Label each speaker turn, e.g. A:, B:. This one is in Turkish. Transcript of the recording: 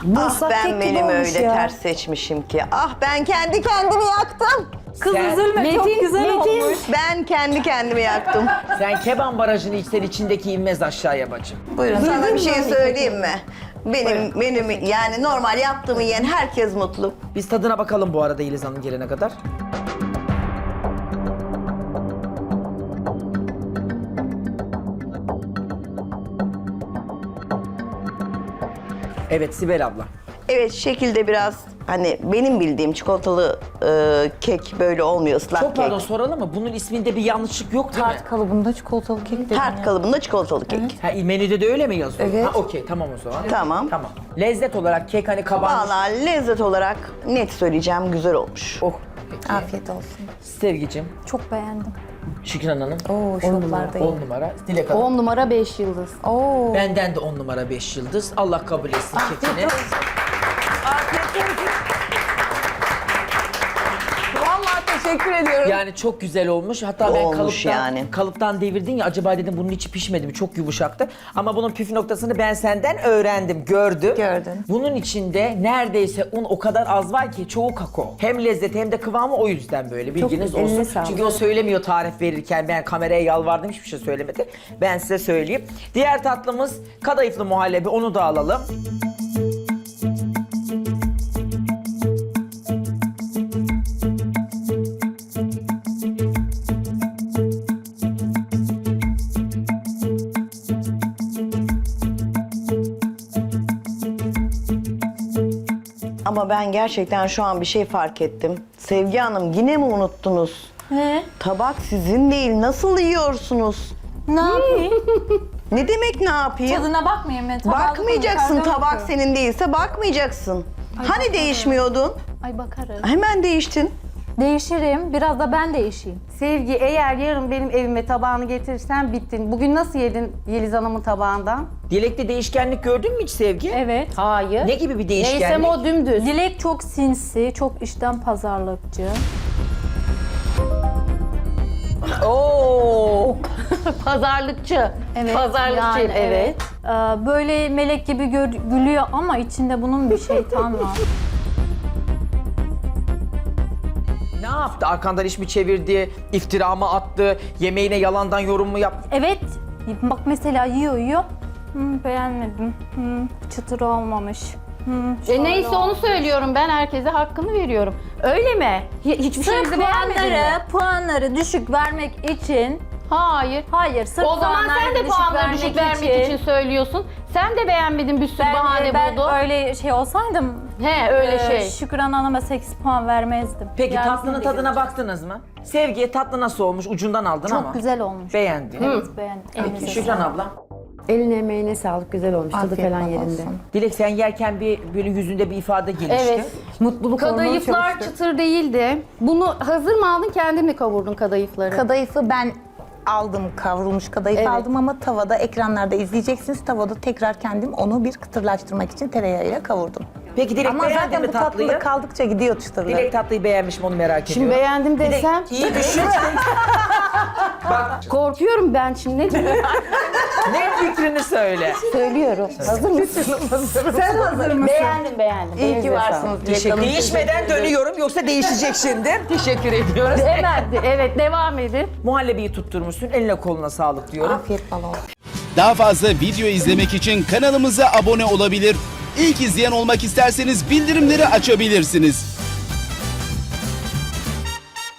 A: Ah ben menümü öyle ters seçmişim ki. Ah ben kendi kendimi yaktım.
B: Kız üzülme, çok güzel olmuş.
A: Ben kendi kendimi yaktım.
C: Sen Keban Barajı'nı içsen içindeki inmez aşağıya bacım.
A: Buyurun. Sana bir şey söyleyeyim mi? Benim menümü yani normal yaptığımı yiyen herkes mutlu.
C: Biz tadına bakalım bu arada Yeliz Hanım gelene kadar. Evet Sibel abla.
A: Evet şekilde biraz hani benim bildiğim çikolatalı kek böyle olmuyor ıslak
C: Çok
A: kek.
C: pardon soralım mı? Bunun isminde bir yanlışlık yok değil mi?
B: Tart kalıbında çikolatalı kek dedim
A: Tart
B: ya.
A: kalıbında çikolatalı kek.
C: Ha, menüde de öyle mi yazıyor?
B: Evet.
C: Ha okey tamam o zaman.
A: Tamam.
C: Tamam. Lezzet olarak kek hani kabarmış.
A: Valla lezzet olarak net söyleyeceğim güzel olmuş.
C: Oh. Peki.
B: Afiyet olsun.
C: Sevgicim,
D: Çok beğendim.
C: Şükran Hanım.
B: Oo, şoklardayım.
C: 10 numara. Dilek Hanım.
D: 10 numara 5 yıldız.
B: Oo.
C: Benden de 10 numara 5 yıldız. Allah kabul etsin kekini.
B: Vallahi teşekkür ediyorum.
C: Yani çok güzel olmuş. Hatta ben
A: Olmuş yani.
C: kalıptan devirdin ya acaba dedim bunun içi pişmedi mi? Çok yumuşaktı. Ama bunun püf noktasını ben senden öğrendim, gördüm.
B: Gördün.
C: Bunun içinde neredeyse un o kadar az var ki çoğu kakao. Hem lezzeti hem de kıvamı o yüzden böyle bilginiz
B: eline
C: olsun.
B: sağlık.
C: Çünkü o söylemiyor tarif verirken ben kameraya yalvardım hiçbir şey söylemedi. Ben size söyleyeyim. Diğer tatlımız kadayıflı muhallebi onu da alalım.
A: Ama ben gerçekten şu an bir şey fark ettim. Sevgi Hanım yine mi unuttunuz?
D: Ne?
A: Tabak sizin değil. Nasıl yiyorsunuz?
D: Ne yapayım?
A: Ne demek ne yapayım?
D: Tadına bakmayayım ben.
A: Bakmayacaksın. Tabak senin değilse bakmayacaksın. Hani değişmiyordun?
D: Ay bakarım.
A: Hemen değiştin.
D: Değişirim. Biraz da ben değişeyim.
E: Sevgi, eğer yarın benim evime tabağını getirirsen bittin. Bugün nasıl yedin Yeliz Hanım'ın tabağından?
C: Dilekte değişkenlik gördün mü hiç Sevgi?
D: Evet.
E: Hayır.
C: Ne gibi bir değişkenlik?
E: Neysem o dümdüz.
D: Dilek çok sinsi, çok işten pazarlıkçı.
E: Oo. Pazarlıkçı.
D: Evet.
E: Pazarlıkçıyım,
D: yani
E: evet.
D: Böyle melek gibi gülüyor ama içinde bunun bir şeytan var.
C: Ne yaptı? Arkandan iş mi çevirdi? İftira mı attı? Yemeğine yalandan yorum mu yaptı?
D: Evet. Bak mesela yiyor. Beğenmedim. Çıtır olmamış. Şöyle
E: Neyse onu
D: olmamış.
E: söylüyorum ben, herkese hakkını veriyorum. Öyle mi? Hiçbir
D: Sırf
E: şeyinizi beğenmedin mi?
D: puanları düşük vermek için
E: Hayır.
D: sırf
E: O zaman sen de puanları düşük vermek için söylüyorsun. Sen de beğenmedin, bir sürü bahane
D: ben
E: buldun.
D: öyle şey olsaydım
E: Öyle şey.
D: Şükran Hanım'a 8 puan vermezdim.
C: Peki
D: Yani
C: tatlının
D: siz de
C: tadına
D: görün.
C: baktınız mı? Sevgiye tatlı nasıl olmuş? Ucundan aldın ama.
D: Çok güzel olmuş.
C: Beğendin.
D: Evet beğendim. Elinize
C: Şükran
D: sağlık.
C: abla.
F: Eline emeğine sağlık, güzel olmuş. Tadı
B: Afiyet
F: falan
B: bal
F: yerinde.
B: olsun.
C: Dilek sen yerken böyle yüzünde bir ifade gelişti.
E: Evet.
F: Mutluluk hormonu
E: Kadayıflar
F: çalıştı.
E: çıtır değildi. Bunu hazır mı aldın, kendin mi kavurdun kadayıfları?
B: Kadayıfı ben aldım, kavrulmuş kadayıf
E: Evet.
B: aldım ama tavada, ekranlarda izleyeceksiniz. Tavada tekrar kendim onu bir kıtırlaştırmak için tereyağıyla kavurdum.
C: Peki Dilek
B: Ama
C: beğendin
B: zaten
C: mi
B: bu
C: tatlıyı?
B: tatlılık kaldıkça gidiyor çıtırlar.
C: Dilek tatlıyı beğenmiş mi onu merak
E: Şimdi
C: ediyorum.
E: beğendim desem.
C: İyi düşün. Bak
E: Korkuyorum ben şimdi, ne diyeyim?
C: ne fikrini söyle.
E: Söylüyorum. Hazır mısın?
B: Sen hazır mısın?
E: Beğendim.
B: İyi ki
E: Elinize
B: varsınız.
C: Teşekkür. Değişmeden dönüyorum yoksa değişecek şimdi. Teşekkür ediyoruz.
E: sağlık. Hemen, evet devam edin.
C: Muhallebiyi tutturmuşsun. Eline koluna sağlık diyorum.
B: Afiyet bal olsun.
G: Daha fazla video izlemek için kanalımıza abone olabilir. İlk izleyen olmak isterseniz bildirimleri açabilirsiniz.